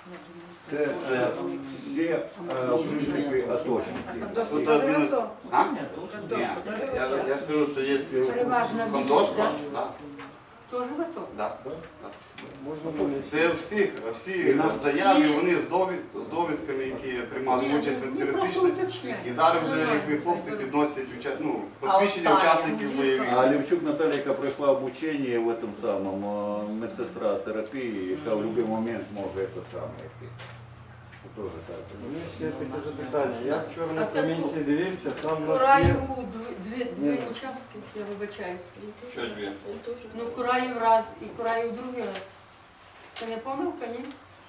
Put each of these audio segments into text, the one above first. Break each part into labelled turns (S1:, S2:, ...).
S1: Це є, в принципі, атошники.
S2: Тут один... А? Ні, я скажу, що є Кондошка.
S3: Тоже готов?
S2: Так. Це всі заяви, вони з довідками, які приймали участь в антитерористичній. І зараз вже їх хлопці підносять посвідчення учасників бойових.
S1: А Левчук Наталя, яка пройшла обучення в цьому самому, медсестра терапії, яка в будь-який момент може це саме йти. Тоже так.
S4: Ну, ще таке запитання. Я вчора на комісії дивився, там у нас є...
S3: Кураєву дві участки, я вибачаюся.
S2: Що дві?
S3: Ну, Кураєв раз і Кураєв другий раз. Це не помилка, ні?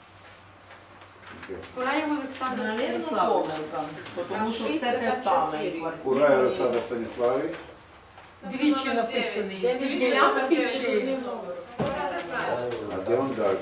S3: Кураєв Олександр Станіславович.
S5: Тому що це те саме.
S1: Кураєв Олександр Станіславович.
S3: Двічі написаний. Дві ділянки чи...
S1: А де він далі?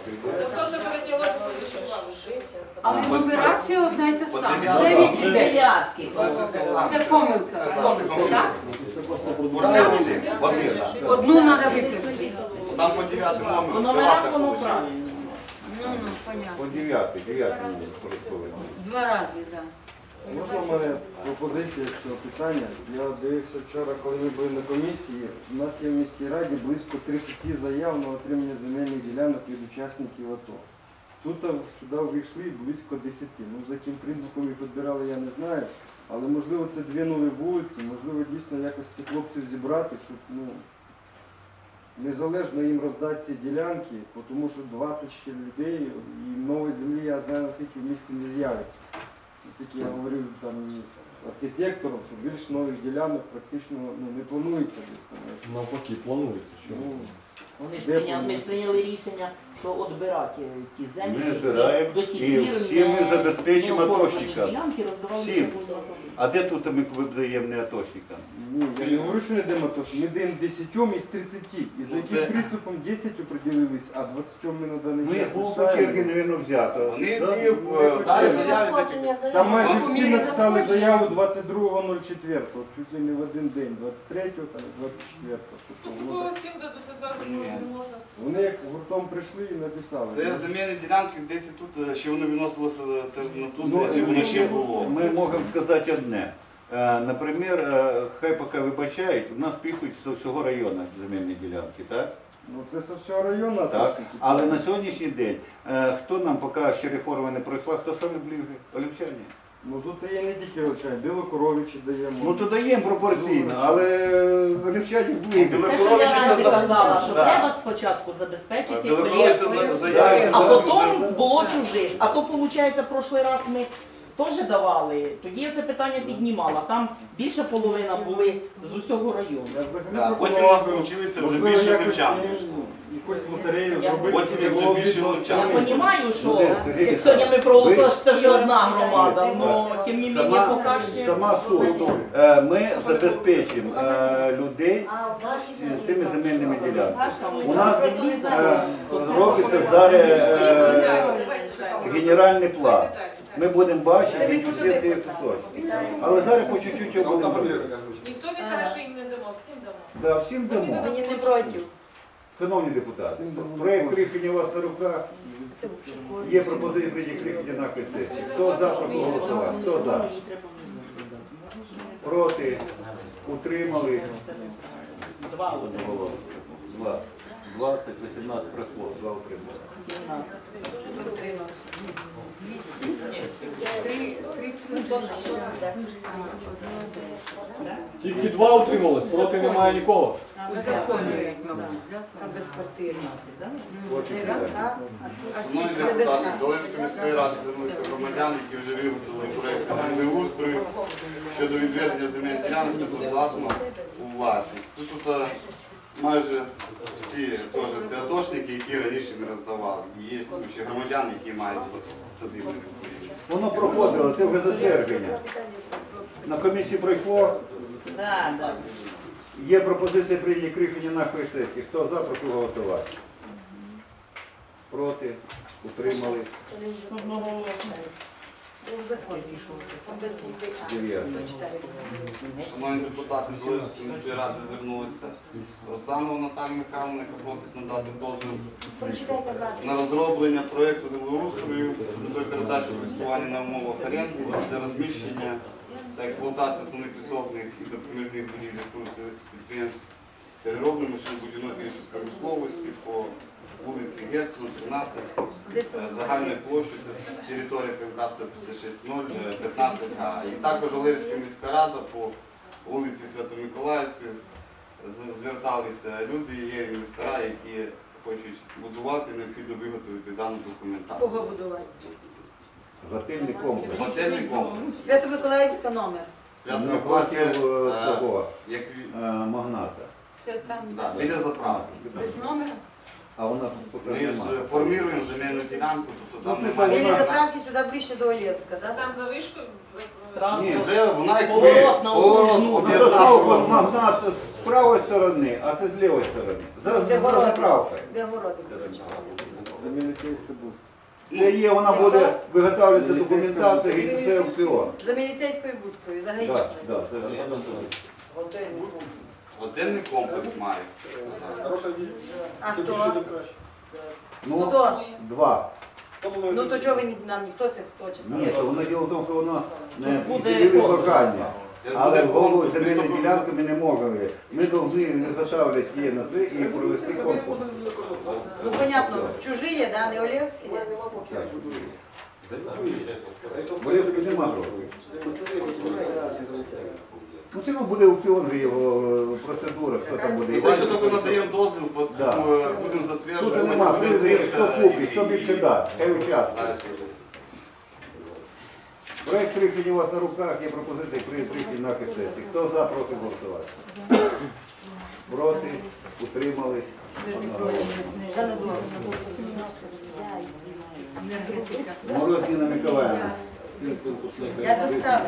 S3: Але нумерація одна й та сама.
S2: Дев'ятки.
S3: 9 і 9.
S5: Дев'ятки.
S3: Це помилка, так?
S2: Кураєв один.
S3: Одну треба виписати.
S2: Там по 9
S5: По
S2: номеру.
S5: номерах воно правильно.
S3: Ну, понятно.
S1: По 9 порядковий.
S3: Два рази, так.
S4: Можна в мене пропозиція з цього питання? Я дивився вчора, коли ми були на комісії, у нас є в міській раді близько 30 заяв на отримання земельних ділянок від учасників АТО. Тут сюди вийшли близько 10. Ну, за яким принципом їх відбирали, я не знаю. Але можливо це дві нові вулиці, можливо дійсно якось цих хлопців зібрати, щоб незалежно їм роздати ці ділянки, тому що 20 ще людей і нової землі, я знаю, наскільки в місті не з'явиться. Наскільки я говорив там із архітектором, що більш нових ділянок практично не планується.
S6: Навпаки, планується. Що?
S5: Вони ж ми прийняли рішення, що відбирати ті
S1: Ми
S5: землі,
S1: збираємо
S5: до сих
S1: і
S5: пір
S1: всі ми забезпечимо атошника.
S5: ділянки роздавали
S1: Всім.
S5: вже.
S1: А де тут ми видаємо не атошникам?
S4: Ні, я не говорю, що не даємо то, що ми даємо 10 із 30. І за яким приступом 10 оприділились, а 20 ми на даний
S1: Ну,
S4: час
S1: як було по черги, навірно, взято.
S2: Вони
S1: Да?
S2: зараз заяви такі.
S4: Там майже всі написали заяву 22.04, чуть ли не в один день, 23-го, там, 24-го. Тобто,
S7: Всім дадуться зверху, не можна.
S4: вони як гуртом прийшли і написали.
S2: Це земельні ділянки, десь тут, ще воно виносилося, це ж на ту
S1: Ну,
S2: сесію, воно ще було.
S1: Ми можемо сказати одне. Наприклад, хай поки вибачають, у нас пікуть з всього району земельні ділянки, так?
S4: Ну це з всього району
S1: Так.
S4: атошники.
S1: Але на сьогоднішній день, хто нам поки ще реформа не пройшла, хто саме ближче? Олівчані.
S4: Ну тут є не тільки Олчай, Білокоровичі даємо.
S1: Ну то даємо пропорційно, але Олівчані ближче.
S5: Те, що я раніше казала, що треба спочатку забезпечити проєкт, а потім було чужих. А то, виходить, прошлий раз ми теж давали, тоді я це питання піднімала. Там більша половина були з усього району.
S4: Я взагалі
S2: Потім
S4: пропонував,
S2: ми вчилися вже
S4: можливо,
S2: більше
S4: якось,
S2: левчан.
S4: якусь лотерею
S5: Я
S4: зробити.
S2: потім
S4: щоб
S2: вже
S4: було
S2: більше
S4: відносно.
S2: левчан.
S5: Я розумію, що
S1: Ну, Сергій,
S5: як сьогодні ми проголосували, що це вже одна громада,
S1: Так.
S5: але тим не менше поки що...
S1: Сама суть. Ми забезпечимо людей з цими земельними ділянками. У нас робиться зараз генеральний план. Ми будемо бачити всі ці кусочки. Але зараз по чуть-чуть його будемо робити.
S7: Ніхто не каже, що їм не дамо, всім дамо.
S1: Да, всім дамо.
S3: Мені не проти.
S1: Шановні депутати, проєкт рішення у вас на руках. Є пропозиція прийняти рішення на сесії. Хто за, прошу голосувати? Хто за? Проти? Утримали?
S5: Два.
S1: Два. 20, 18 пройшло, 2 утримали.
S5: 17.
S6: Тільки 2 утрималось, проти немає нікого.
S3: Узаконюють, мабуть.
S5: Там безквартирна.
S2: Шановні депутати, до Долинської міської ради звернулися громадяни, які вже виготовили проєкт землеустрою щодо відведення земельних ділянок безоплатно у власність. Тут майже всі теж це атошники, які раніше не роздавали. І є ще громадяни, які мають садибники свої.
S1: Воно проходило, це вже затвердження. На комісії пройшло.
S5: Так.
S1: Є пропозиція прийняти рішення нашої сесії. Хто за, прошу голосувати. Проти? Утримали?
S8: У законі. Там без букви А.
S1: Дев'яте.
S8: Зачитайте.
S2: Шановні депутати, Долинської міської ради звернулися Оксану Наталію Михайловну, яка просить надати дозвіл
S8: Прочитайте
S2: на
S8: правильно.
S2: розроблення проєкту землеустрою щодо передачі користування на умовах оренди для розміщення та експлуатації основних підсобних і допоміжних будівель підприємств переробної машинобудівної та іншої промисловості по вулиці Герцена, 13,
S8: Де це?
S2: загальною площею, це територія КМК 156-0, 15А. І також Олевська міська рада по вулиці Свято-Миколаївської зверталися люди, є інвестора, які хочуть будувати, необхідно виготовити дану документацію.
S8: Кого будувати?
S1: Готельний комплекс.
S2: Готельний комплекс.
S8: Свято-Миколаївська номер.
S1: Напротив
S2: Свято-Миколаївська,
S1: того
S2: як
S1: магната.
S3: Це там
S2: да, біля заправки.
S3: без номера.
S1: А у нас
S2: Ми
S1: поки
S2: ж
S1: немає.
S2: формуємо земельну ділянку, тобто там
S1: Ну,
S2: немає.
S8: Біля заправки сюди ближче до Олєвська, так?
S7: Там за вишкою.
S5: Зразу.
S2: Ні, вже вона як
S5: Поворот на
S2: поворот,
S5: окружну.
S2: об'їзна
S1: Заправка
S2: дорога.
S1: магнат з правої сторони, а це з лівої сторони. За
S8: Де городи?
S1: заправкою.
S8: Де городи будуть?
S4: Міліцейська був.
S1: Це є, вона буде виготовлювати документацію і це аукціон.
S8: За міліцейською будкою, за
S1: Так,
S8: гаїчною.
S1: так, це
S2: Готельний комплекс має.
S8: А хто?
S1: Ну,
S8: Хто?
S1: два.
S8: Ну то чого ви нам ніхто це хто чесно?
S1: Ні, то воно діло в тому, що воно не
S5: Буде
S1: підсилили
S5: конкурс.
S1: бажання.
S2: Це ж
S1: Але
S2: буде
S1: голову
S2: конкурс,
S1: земельної
S2: місто-
S1: ділянки ми не можемо. Ми повинні заготовити її на це і провести конкурс.
S8: Ну понятно, чужі є, да? Не Олєвські є?
S1: Так. Бо якщо нема грошей. Ну, все одно буде аукціон же його процедура, хто там буде.
S2: І це ще тільки надаємо дозвіл, потім
S1: Да.
S2: будемо
S1: Тут
S2: затверджувати.
S1: нема,
S2: буде
S1: тут
S2: оцінка
S1: хто купить,
S2: і-
S1: хто більше дасть, хай участвує.
S2: Далі.
S1: Проект рішення у вас на руках, є пропозиції прийняти на сесії. Хто за, проти голосувати? Проти, утримались.
S8: Ми ж не проти. Жанна Дула.
S1: Мороз Ніна Миколаївна.
S8: Я достала.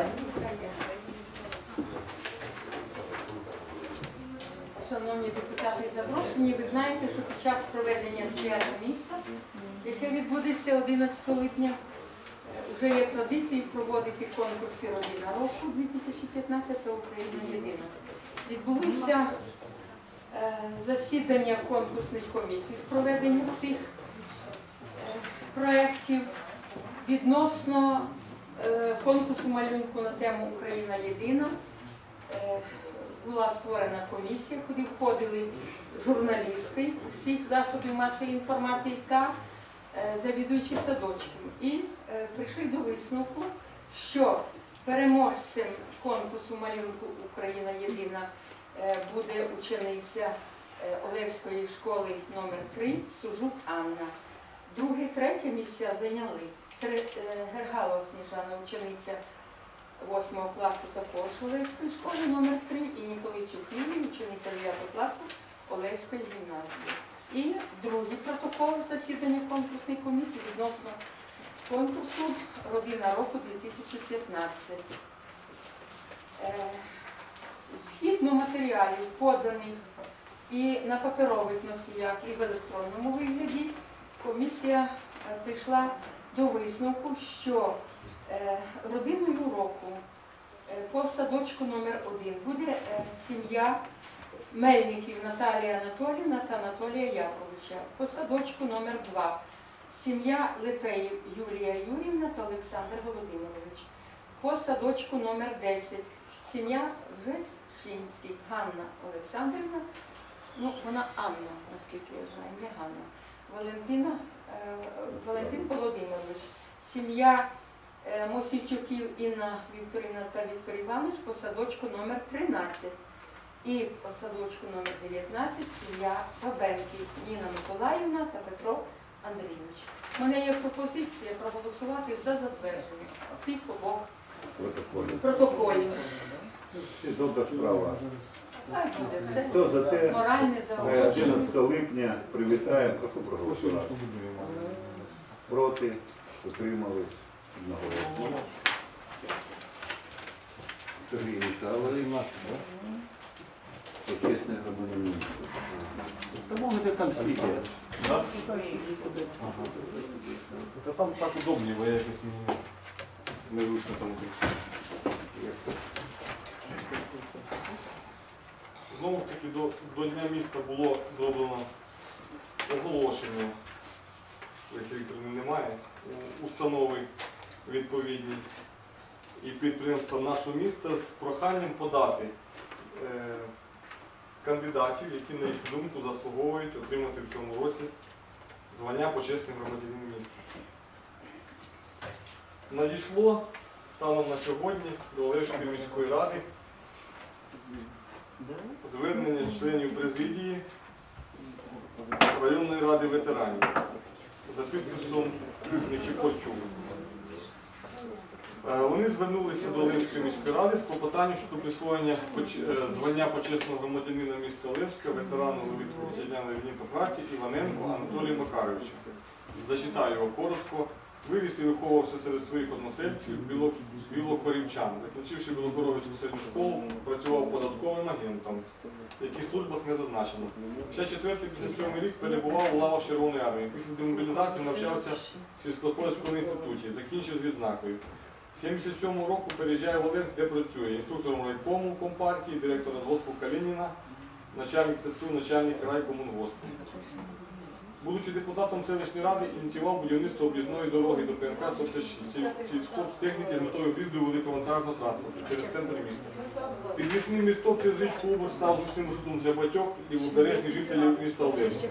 S3: Шановні депутати, запрошені, ви знаєте, що під час проведення свята міста, яке відбудеться 11 липня, вже є традицією проводити конкурси «Родина року» 2015 «Україна єдина». Відбулися засідання конкурсних комісій з проведення цих проєктів відносно конкурсу малюнку на тему «Україна єдина». Була створена комісія, куди входили журналісти всіх засобів масової інформації та завідуючі садочків. І прийшли до висновку, що переможцем конкурсу малюнку «Україна єдина» буде учениця Олевської школи номер 3 Сужук Анна. Друге, третє місця зайняли Гергалова Сніжана, учениця 8 класу також Олевської школи номер 3 і Ніколайчук Лілія, учениця 9 класу Олевської гімназії. І другий протокол засідання конкурсної комісії відносно конкурсу «Родина року» 2015. Згідно матеріалів, поданих і на паперових носіях, і в електронному вигляді, комісія прийшла до висновку, що родиною року по садочку номер 1 буде сім'я Мельників Наталія Анатоліївна та Анатолія Яковича. По садочку номер 2 сім'я Лепеїв Юлія Юрівна та Олександр Володимирович. По садочку номер 10 сім'я Жешинський Ганна Олександрівна, ну вона Анна, наскільки я знаю, не Ганна, Валентин Володимирович, сім'я Мосійчуків Інна Вікторівна та Віктор Іванович по садочку номер 13. І по садочку номер 19 сім'я Бабенків Ніна Миколаївна та Петро Андрійович. У мене є пропозиція проголосувати за затвердження цих обох протоколів.
S1: Це добра справа.
S3: Хай буде. Це
S1: Хто за те,
S3: моральне заохочення.
S1: 11 липня привітаємо, прошу проголосувати. Проти, утримались, одноголосно. Сергій Михайлович. Почесний громадянин. Та можете там сидіти.
S6: Да? Ага. Та там так удобніше, бо я якось не... незручно там. Знову ж таки, до Дня міста було зроблено оголошення, Лесі Вікторівни немає, установи відповідні і підприємства нашого міста з проханням подати кандидатів, які, на їх думку, заслуговують отримати в цьому році звання почесний громадянин міста. Надійшло станом на сьогодні до Олевської міської ради звернення членів президії районної ради ветеранів за підписом Нечіпорчук. Вони звернулися до Олевської міської ради з клопотанням щодо присвоєння звання почесного громадянина міста Олевська ветерану вітчизняної війни та праці Іваненку Анатолію Макаровичу. Зачитаю його коротко. Виріс і виховувався серед своїх односельців білокорівчан. Закінчивши Білокоровицьку середню школу, працював податковим агентом, в яких службах не зазначено. Ще 4-57 рік перебував у лавах Червоної армії. Після демобілізації навчався в сільськогосподарському інституті, закінчив з відзнакою. З 77 року переїжджає в Олевськ, де працює інструктором райкому компартії, директор радгоспу Калініна, начальник ЦСУ, начальник райкомунгоспу. Будучи депутатом селищної ради, ініціював будівництво об'їзної дороги до ПНК 156 сільськогтехніки з метою в'їзду великовантажного транспорту через центр міста. Підвісним місток через річку Убор став зручним маршрутом для батьок і лівобережних жителів міста Олевська.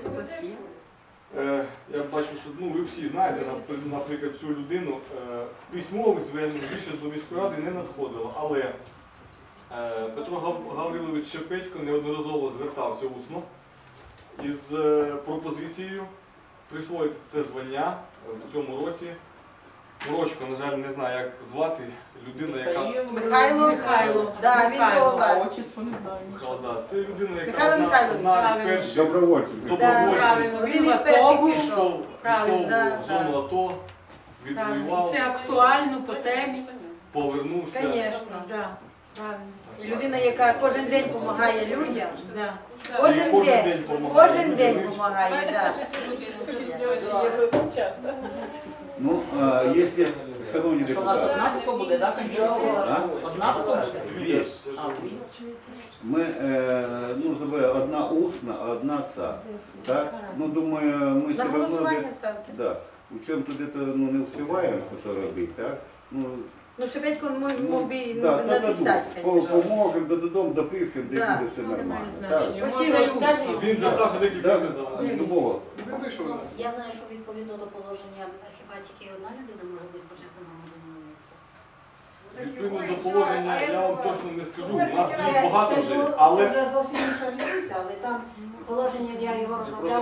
S6: Я бачу, що ви всі знаєте, наприклад, цю людину. Письмових звернень більше до міської ради не надходило, але Петро Гаврилович Шепетько неодноразово звертався усно із пропозицією присвоїти це звання в цьому році. Морочко, на жаль, не знаю, як звати, людина, яка...
S8: Михайло. Да, він голова.
S5: Отчество не знаю.
S6: Да, це людина, яка
S8: Михайло Михайлович.
S6: одна з перших
S1: Добровольців.
S3: Правильно,
S8: Один із перших пішов.
S6: пішов
S3: Правильно,
S6: в зону АТО,
S3: Правильно.
S6: відвоював,
S3: І це актуально по темі.
S6: повернувся.
S8: Звісно.
S3: Да, правильно.
S8: І людина, яка кожен день допомагає людям.
S3: Да.
S8: Кожен день. Кожен день допомагає, так.
S1: Ну, якщо, шановні
S5: Що у нас
S1: депутати,
S5: одна тільки буде, так? Одна тільки буде?
S1: Дві.
S5: А, дві.
S1: Ми, одна усна, а одна ця. Так? Ну, думаю, ми все
S8: На
S1: одно...
S8: голосування ставте.
S1: Да. У чому-то не успіваємо, що робити, так?
S8: Ну, Шепетько мог би
S1: да,
S8: написати, звісно.
S1: поможемо, додому, допишемо, де
S8: Да.
S1: буде все нормально. Так?
S8: Спасибо, скажи.
S6: Він звертався декілька
S1: Да?
S6: разів.
S1: Любого.
S9: Я знаю, що відповідно до положення хіба тільки одна людина може бути почесним громадянином міста.
S6: Відповідно до положення, я вам точно не скажу, у нас їх багато вже, але...
S9: Це вже зовсім інша різниця, але там положення, я його розробляла,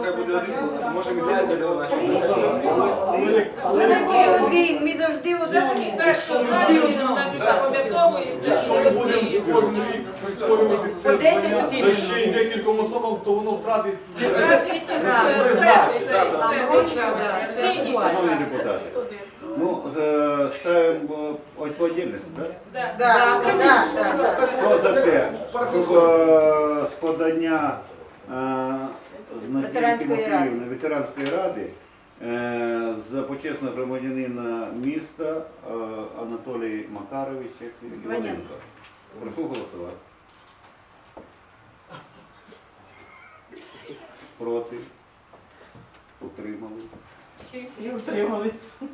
S8: Ми завжди
S7: Все-таки краще одна людина, вона не запам'ятовується, що
S6: Якщо ми будемо
S7: всі.
S6: кожен рік присвоювати це
S8: По 10
S6: звання,
S8: тисяч.
S6: та ще й декільком особам, то воно втратить...
S1: Шановні депутати, ну, ставимо по отдельности, так?
S8: Да, да.
S1: Хто за те, щоб з подання ветеранської ради за почесного громадянина міста Анатолій Макарович Іваненко. Прошу голосувати. Проти? Утримали?
S5: Всі утримались.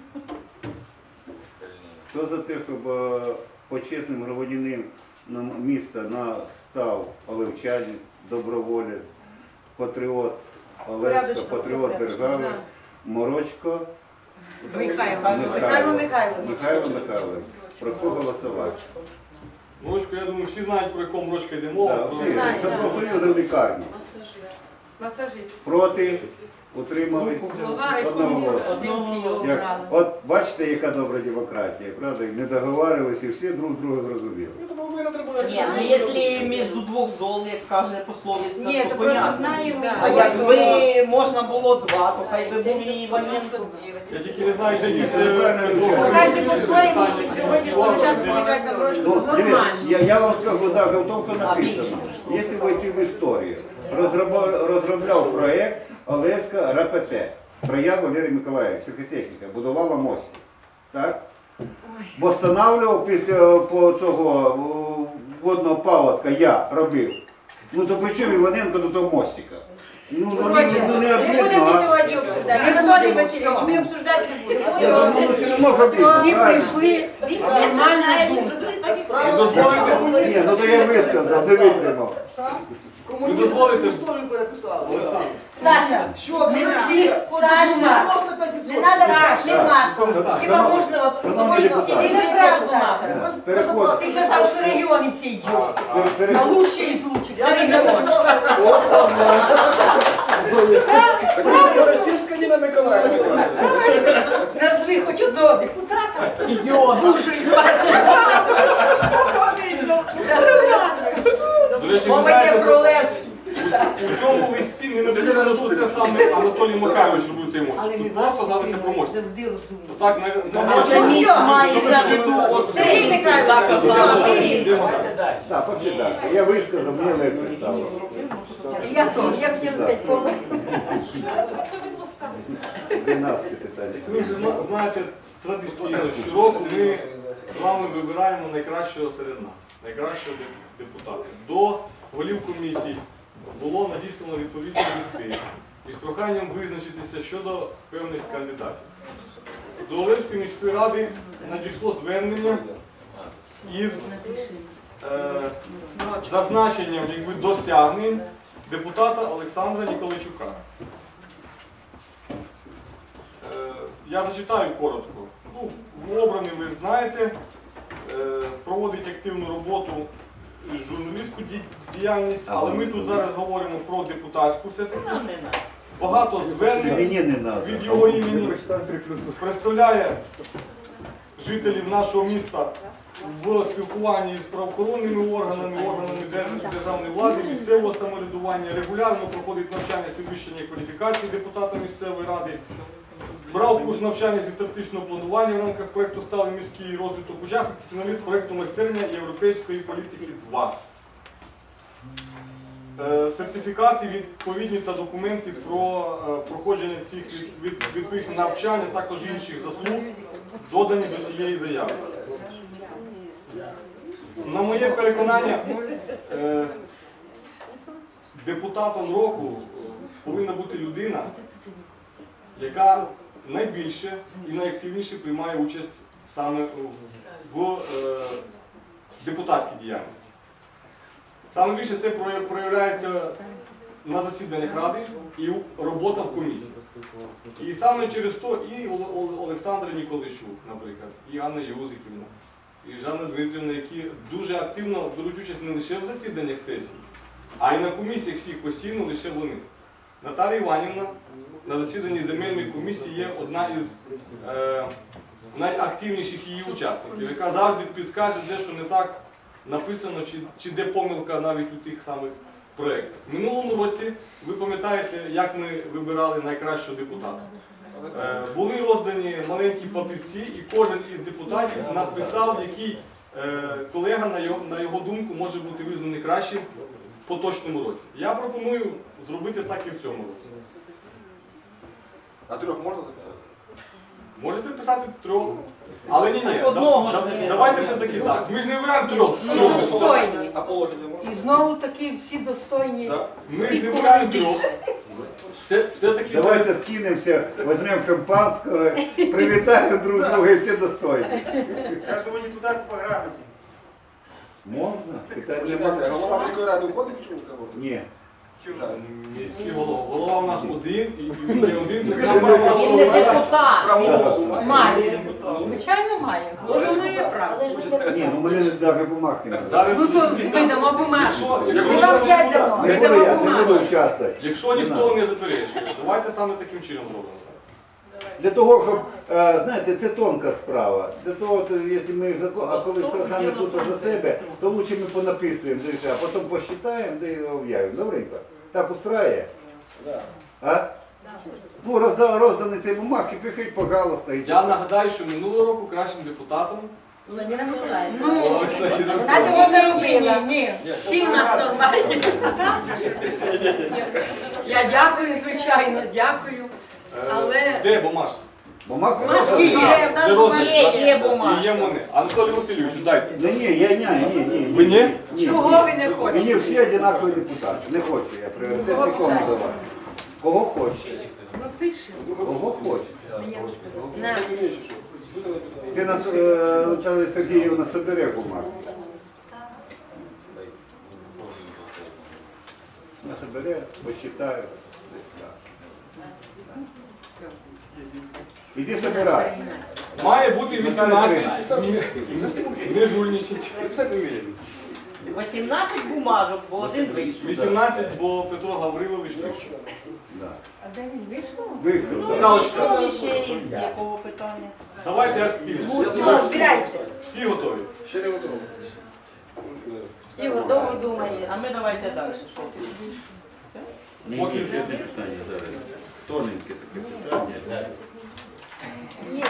S1: Хто за те, щоб почесним громадянином міста став олевчанин, доброволець, патріот Олевська, патріот держави, Морочко
S8: Михайло Михайлович.
S1: Михайло Михайлович. Прошу голосувати.
S6: Морочко, я думаю, всі знають, про якому Морочка йде мова.
S1: Да,
S6: Про-
S1: всі. Це профсоюзи в лікарні.
S3: Масажист.
S1: Проти? Утримали?
S3: Голова
S1: Одного голосу.
S3: спілки його
S1: Як,
S3: обрали.
S1: от бачите, яка добра демократія, правда? Не договарювалися і всі друг друга зрозуміли.
S5: Ні, ну якщо між двох зол, як каже пословиця,
S8: Ні,
S5: то
S8: то просто
S5: понятно.
S8: знаємо.
S5: А якби можна було два, то хай би був і Іваненко.
S6: Я тільки не знаю, де їх
S8: Кожен по-своєму сьогоднішнього часу, мені кажеться, Морочко.
S1: Ну,
S3: Нормально.
S1: дивіться, я вам скажу даже в тому, що написано. Якщо войти в історію, розробляв проєкт Олевська РПТ. Троян Валерій Миколаївич, сільхозтехніка, будувала мости. Так? Бо встановлював після по цього водного паводка, я робив. Ну то при чому Іваненко до того мостика? Ну не
S8: Не
S1: обидно,
S8: будемо
S1: а?
S8: сьогодні обсуждати. Анатолій Васильович, ми обсуждати не будемо.
S1: Ну все одно робити.
S3: Всі прийшли
S9: Він
S3: з
S9: все це знає,
S3: нормальною
S9: він
S3: думкою.
S9: зробили так,
S6: І
S9: як
S6: дозволите,
S1: Ні, ну то я висказав, не витримав.
S6: ви дозволите, Олександр,
S8: Саша,
S7: Що
S8: не
S7: ти?
S8: всі, Саша, не треба, нема.
S3: Хіба можна
S1: Шановні депутати,
S8: Ти не прав, Саша.
S1: переход.
S3: Ти казав, що регіони всі йдуть. А
S1: переход.
S3: лучші із лучших. Це регіон. Назви хоч одного депутата.
S5: Ідіот.
S3: Душу із партії. Все нормально.
S6: до речі, ви
S3: Мова йде
S6: знаєте,
S3: про Левський.
S6: у цьому листі не написано, що це саме Анатолій Макарович робив цей мост.
S3: Але ми
S6: Тут просто згадується про мост.
S3: завжди розумні.
S6: Так,
S5: Може, міст мається в виду, от
S8: Сергій Михайлович,
S5: так казала.
S6: Йдемо далі.
S1: Так, пошли далі. Я висказав, мені не представив.
S3: Я теж, я б тебе сказати, помер.
S1: 12 питання.
S6: Ви вже знаєте, традиційно щороку ми з вами вибираємо найкращого серед нас, найкращого депутата. До голів комісій було надіслано відповідні листи із проханням визначитися щодо певних кандидатів. До Олевської міської ради надійшло звернення із зазначенням досягнень депутата Олександра Ніколайчука. Я зачитаю коротко. Ну, обраний, ви знаєте, проводить активну роботу, журналістську діяльність, але ми тут зараз говоримо про депутатську все-таки. Багато звернень
S1: Мені не треба.
S6: від його імені представляє жителів нашого міста в спілкуванні з правоохоронними органами, органами державної влади, місцевого самоврядування, регулярно проходить навчання з підвищення кваліфікації депутата місцевої ради, брав курс навчання зі стратегічного планування в рамках проєкту «Сталий міський розвиток», учасник фіналіст проєкту «Майстерня європейської політики 2». Сертифікати відповідні та документи про проходження цих відповідних навчань, а також інших заслуг додані до цієї заяви. На моє переконання, депутатом року повинна бути людина, яка найбільше і найактивніше приймає участь саме в депутатській діяльності. Саме більше це проявляється на засіданнях ради і робота в комісії. І саме через то і Олександр Ніколайчук, наприклад, і Анна Юзиківна, і Жанна Дмитрівна, які дуже активно беруть участь не лише в засіданнях сесії, а й на комісіях всіх постійно лише вони. Наталія Іванівна на засіданні земельної комісії є одна із найактивніших її учасників, яка завжди підкаже, де що не так написано, чи де помилка навіть у тих самих проєктах. В минулому році, ви пам'ятаєте, як ми вибирали найкращого депутата. Були роздані маленькі папірці, і кожен із депутатів написав, який колега, на його думку, може бути визнаний кращим в поточному році. Я пропоную зробити так і в цьому році.
S10: А 3 можна записати?
S6: Можете писати 3. Але ні,
S5: одного ж не
S6: давайте все-таки так. Ми ж не вибираємо 3.
S3: Всі достойні.
S10: А положення можна?
S3: І знову таки всі достойні.
S10: Так.
S6: Ми ж не вибираємо 3. Все-таки
S1: Давайте скинемося, візьмемо шампанського, привітаємо друг друга і всі достойні.
S6: Кожному депутату по грамоті.
S1: Можна? Питань
S10: Почекайте,
S1: немає.
S10: голова міської ради входить в цю кого?
S1: Ні.
S6: Міський голова. Голова у нас один, і він не один.
S5: Він не депутат.
S10: Право голосу
S3: Має. Звичайно, має. Кожен має право.
S9: Але ж ви не
S1: Ні, ну мене навіть бумаг не треба.
S6: Зараз,
S3: Ну то видамо бумажку.
S6: якщо-
S3: Ми вам 5 дамо.
S1: Не буду я, не буду участвувати.
S6: Якщо ніхто не заперечує, давайте саме таким чином зробимо зараз.
S1: Для того, щоб, знаєте, це тонка справа. Для того, якщо ми закон, а коли саме тут за себе, то лучше ми понаписуємо, а потім посчитаємо, да і об'явимо. Добренько? Так устрає? А? Ну, роздані ці бумажки, пишіть, пожалуйста. і-
S6: Я нагадаю, що минулого року кращим депутатом
S8: Владимира Миколаївна.
S3: Ну,
S6: Ось наші
S8: Вона цього не робила.
S3: ні. Всі в нас нормальні. Я дякую, звичайно, дякую. Але
S6: Де бумажки?
S1: Бумажки
S3: Бумажки є.
S8: В
S6: Вже розгляд.
S5: Є бумажка.
S6: І є вони. Анатолій Васильович, дайте.
S1: Ні, ні.
S6: Ви ні?
S3: Чого ви не хочете?
S1: Мені всі однакові депутати. Не хочу я пріоритет нікому давати. Кого хоче.
S3: Ну пишемо.
S1: Кого хоче.
S3: На.
S1: Ти Наталя Сергіївна собере бумагу. Вона собере, посчитає. Іди собирай.
S6: Має бути 18. Не жульничать.
S5: 18 бумажок, бо один вийшов.
S6: 18, бо Петро Гаврилович вийшов.
S1: Да.
S3: А де він вийшов?
S1: Віктор, да.
S6: Галочка,
S5: Ну, і ще із якого питання?
S6: давайте активніше.
S8: Все, збирайте.
S6: Всі готові?
S10: Ще не готово.
S8: Ігор, довго думаєш.
S5: А ми давайте далі.
S6: Поки
S1: питання зараз. Тоненьке таке питання.
S8: Ні.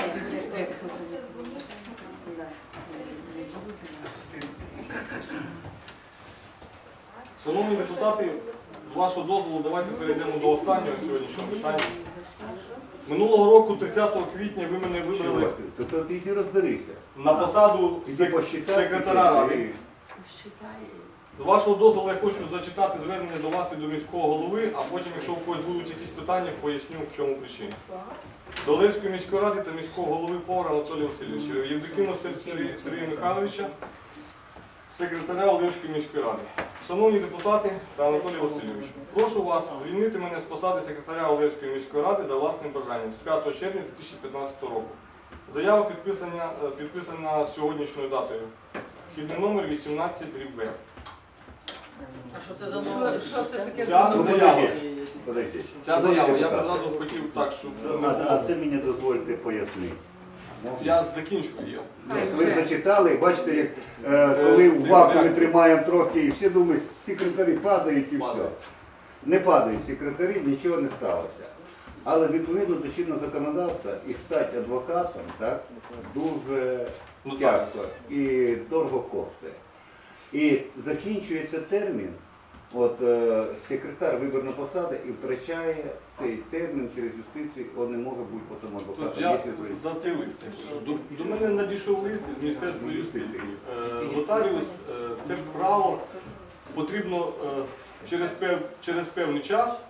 S6: Шановні депутати, з вашого дозволу, давайте перейдемо до останнього сьогоднішнього питання. Минулого року, 30 квітня, ви мене вибрали
S1: То ти йди розберися.
S6: на посаду
S1: Іди посчитай.
S6: секретаря ради. З вашого дозволу я хочу зачитати звернення до вас і до міського голови, а потім, якщо у когось будуть якісь питання, поясню, в чому причина. До Олевської міської ради та міського голови Повара Анатолія Васильовича, Євдокима Сергія Михайловича, секретаря Олевської міської ради. Шановні депутати та Анатолій Васильович, прошу вас звільнити мене з посади секретаря Олевської міської ради за власним бажанням з 5 червня 2015 року. Заява підписана сьогоднішньою датою. Вхідний номер 18/Б.
S5: А що це за номер?
S3: Що це таке
S6: Ця
S3: за номер?
S6: заява,
S1: Подожди.
S6: ця заява, я б одразу хотів так, щоб
S1: А це мені дозвольте пояснити.
S6: я закінчу її.
S1: Ви зачитали, бачите, як коли в вакуумі тримаємо трошки, і всі думають, секретарі падають і все. Не падають секретарі, нічого не сталося. Але відповідно до чинного законодавства і стати адвокатом так, дуже тяжко і дорого коштує. І закінчується термін, от секретар виборна посада і втрачає цей термін через юстицію, він не може бути потім
S6: Тобто
S1: адвокатом.
S6: я
S1: якщо ви-
S6: за цей лист. До мене надійшов лист із Міністерства юстиції. Нотаріус, це право потрібно через певний час,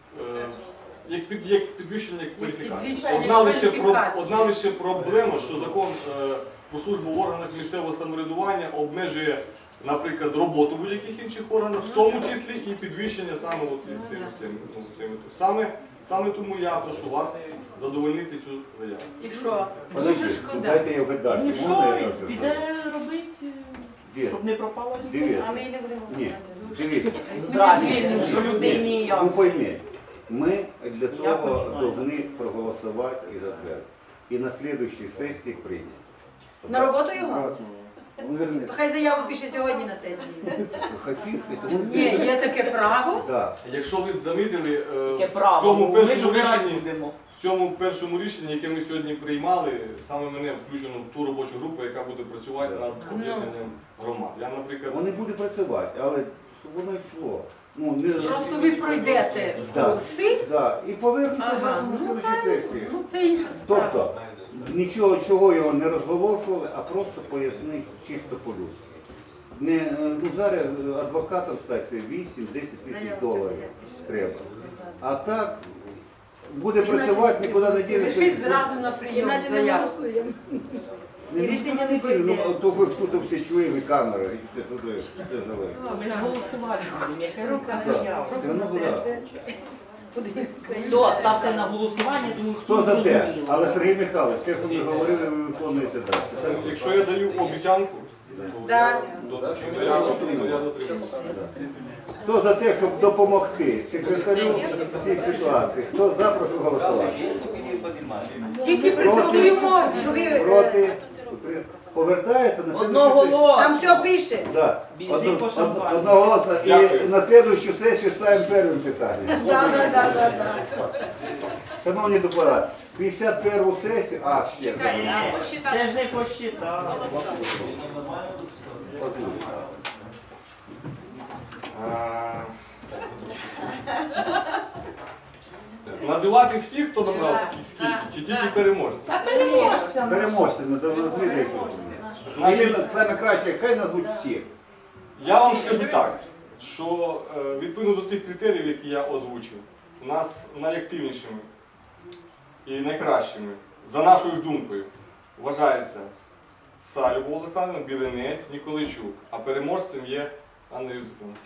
S6: як підвищення кваліфікації.
S3: Підвищення
S6: Одна лише проблема, що закон про службу в органах місцевого самоврядування обмежує, наприклад, роботу будь-яких інших органів, в тому числі і підвищення саме от із цим. Саме тому я прошу вас задовольнити цю заяву.
S5: І що?
S1: Подожди,
S3: шкода.
S1: дайте я вгадаю.
S5: Ну
S1: Можна я
S5: що,
S1: кажу?
S5: піде робити,
S1: Де?
S5: щоб не пропало ніколи.
S1: Дивіться.
S8: А ми не будемо.
S1: Ні, дивіться.
S5: Здрасте, що людині
S1: Ну
S5: як.
S1: пойми, ми для того
S5: понимаю.
S1: повинні проголосувати і затвердити. І на слідуючій сесії прийняти.
S8: На роботу його?
S4: Он вернется.
S8: То хай заяву пише сьогодні на сесії.
S1: Хотів, тому
S3: Ні, є таке право.
S1: да.
S6: Якщо ви замітили,
S5: Таке
S6: в
S5: право,
S6: цьому
S5: ми ж
S6: першому
S5: обирати
S6: рішенні,
S5: будемо.
S6: в цьому першому рішенні, яке ми сьогодні приймали, саме мене включено в ту робочу групу, яка буде працювати над об'єднанням громад. Я, наприклад,
S1: Вони будуть працювати, але щоб воно йшло. Ну, не...
S3: Просто ви пройдете
S1: Да.
S3: курси.
S1: Да. І повернуться
S3: Ага,
S1: на
S3: ну
S1: слідуючій
S3: правильно,
S1: сесії.
S3: ну це інша справа.
S1: Тобто, нічого чого його не розголошували, а просто пояснити чисто по-людськи. Ну, зараз адвокатом стати це 8-10 тисяч доларів треба. А так буде працювати, нікуди не
S3: Пишіть
S1: дінеться.
S3: зразу на прийом
S8: Іначе не
S3: заяву.
S8: голосуємо.
S1: І
S8: рішення не прийде.
S1: Ну, то ви тут всі чуємо, і камери, і все туди, все живе.
S5: Ми ж голосувати будемо, яка рука
S1: Так,
S5: заява.
S1: все одно буде.
S5: Все, ставте на голосування, тому
S1: Хто за те?
S5: зрозуміло.
S1: Але Сергій Михайлович, те, що ви говорили, ви виконуєте далі. Так?
S6: якщо я даю обіцянку,
S8: Да.
S6: то я дотримуюся.
S1: Хто за те, щоб допомогти секретарю в цій ситуації? Хто за, прошу голосувати.
S3: Тільки при такій умові.
S8: Що ви,
S1: Проти? Повертається на
S5: Одного
S1: слідуючу
S5: голосу.
S8: там все пише.
S1: Да.
S5: Біжи по шампанську.
S1: Одноголосно. І
S6: Дякую.
S1: на слідуючу сесію ставимо першим питанням.
S8: Да.
S1: Шановні депутати, 51 сесію, ще.
S5: Це ж не посчитав.
S6: Називати всіх, хто набрав скільки, чи тільки переможців?
S5: Та переможця.
S1: Переможці, назвіть їх. А є саме краще, хай назвуть всі.
S6: Я вам скажу так, що відповідно до тих критеріїв, які я озвучив, у нас найактивнішими і найкращими, за нашою ж думкою, вважається Салюбов Олександр, Білинець, Ніколайчук, а переможцем є Анна Юзефівна.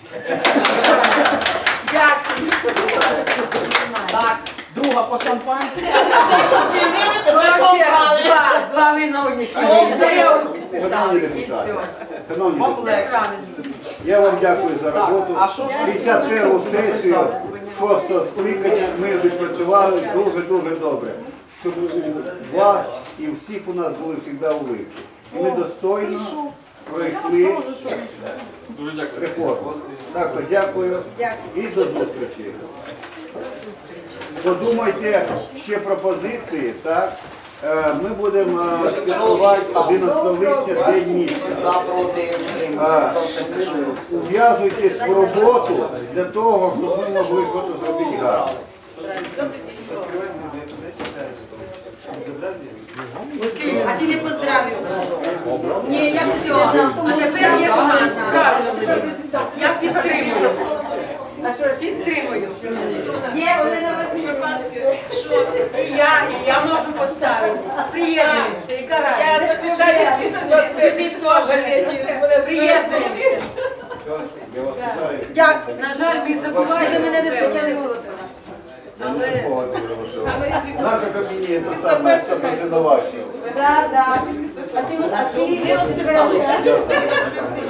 S8: Дякую.
S5: Так, друга по шампанську. Те, що звільнили, тебе обрали.
S3: Два виновних
S5: О,
S3: заяву підписали
S1: Шановні
S3: і все.
S1: депутати, шановні
S5: Вам
S1: депутати,
S5: легше.
S3: Правильно.
S1: я вам дякую за
S5: Так,
S1: роботу.
S5: а що ж
S1: 51-ту сесію 6-го скликання ми відпрацювали дуже-дуже добре. Щоб у вас і всіх у нас були завжди улыбки. І ми достойно пройшли
S6: Дуже дякую.
S1: реформу. Так, то дякую і до зустрічі. Подумайте ще пропозиції, так? Ми будемо святкувати 11 липня День міста. Ув'язуйтесь в роботу для того, щоб ми могли щось зробити гарно.
S8: А ти не поздравив. Ні, я це не знав, тому що
S3: Тепер є шанс, правильно.
S8: правильно.
S3: Я підтримую. Підтримую.
S8: Є, Олена Васильівна.
S3: І я можу поставити. Приєднуємося і караємо.
S7: Я заключаю список 25 хто в газеті.
S3: Приєднуємося.
S1: Я вас вітаю.
S8: Дякую.
S3: На жаль, ми
S8: Ви за
S3: забуваємо.
S8: мене не схотіли голосувати.
S1: Я не запомнив голосувати. Наша кабіні це саме, що ми винувачуємо.
S8: Так, так. А ти
S5: Ми розписалися.